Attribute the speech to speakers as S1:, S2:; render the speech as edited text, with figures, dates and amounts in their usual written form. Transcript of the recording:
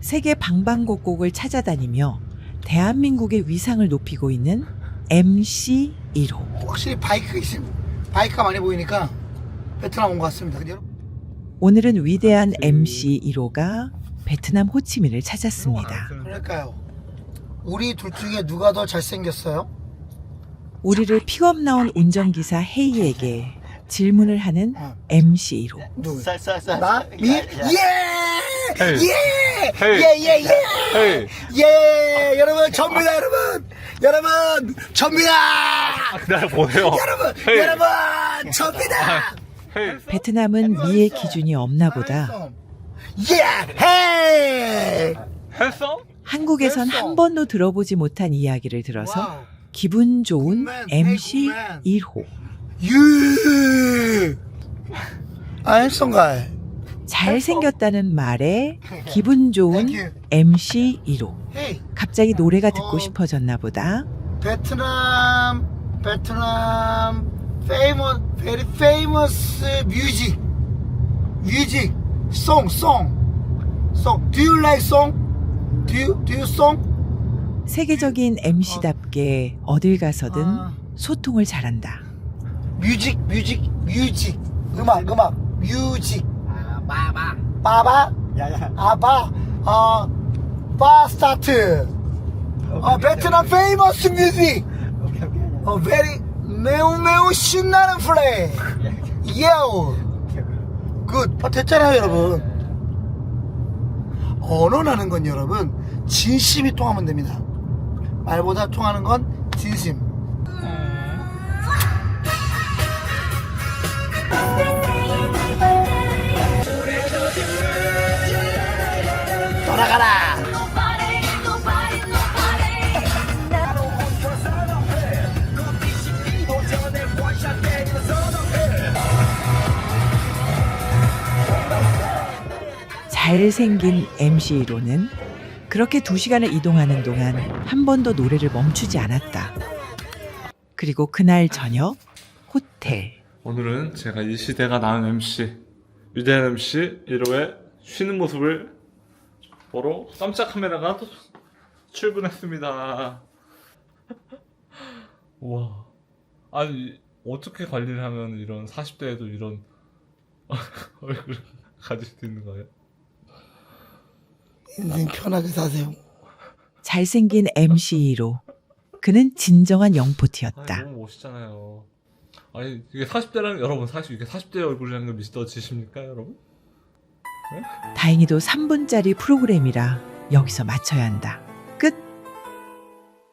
S1: 세계 방방곡곡을 찾아다니며 대한민국의 위상을 높이고 있는 MC 1호.
S2: 확실히 바이크가 많이 보이니까 베트남 온 것 같습니다. 근데 여러분,
S1: 오늘은 위대한 MC 1호가 베트남 호치민을 찾았습니다.
S2: 그러니까요. 우리 둘 중에 누가 더 잘생겼어요?
S1: 우리를 픽업 나온 운전기사 헤이에게 질문을 하는 MC 1호.
S2: 누구?
S3: 쌀쌀쌀.
S2: 나? 미? 예!
S3: 헤이.
S2: 예!
S3: 헤이.
S2: 예! 예!
S3: 헤이.
S2: 예! 여러분, 접니다, 여러분! 여러분, 접니다!
S3: 날 보내요.
S2: 여러분,
S3: 헤이.
S2: 여러분, 접니다!
S3: 헤이.
S1: 베트남은 미의 기준이 없나 보다.
S2: 예! 헤이!
S3: 했어?
S1: 한국에선 한 번도 들어보지 못한 이야기를 들어서
S2: 와우.
S1: 기분 좋은
S2: 굿맨,
S1: MC
S2: 굿맨.
S1: 1호.
S2: 유! 알쏭가이.
S1: 잘생겼다는 말에 기분 좋은
S2: Thank you.
S1: MC 1호.
S2: 헤이!
S1: 갑자기 노래가 듣고 싶어졌나 보다.
S2: 베트남, very famous music, song. Do you like song? Do you song?
S1: 세계적인 MC답게 어딜 가서든
S2: 아.
S1: 소통을 잘한다.
S2: 뮤직, 음악, 뮤직. 바바? 아바, 바 스타트. 베트남 famous music. very 매우 신나는 플레이. 예우. 굿. 됐잖아요, 여러분. 언어라는 건 여러분 진심이 통하면 됩니다. 말보다 통하는 건 진심. 돌아가라.
S1: 잘생긴 MC 1호는 그렇게 2시간을 이동하는 동안 한 번도 노래를 멈추지 않았다. 그리고 그날 저녁 호텔.
S3: 오늘은 제가 이 시대가 낳은 MC, 위대한 MC 1호의 쉬는 모습을 보러 깜짝 카메라가 출근했습니다. 와, 아니 어떻게 관리를 하면 이런 40대에도 이런 얼굴을 가질 수 있는 거예요?
S2: 인생 편하게 사세요.
S1: 잘생긴 MC 1호. 그는 진정한 영포티였다.
S3: 아니, 너무 멋있잖아요. 아니 이게 40대라는 여러분 사실 이게 40대 얼굴이라는 걸 믿어지십니까 여러분?
S1: 다행히도 3분짜리 프로그램이라 여기서 마쳐야 한다. 끝.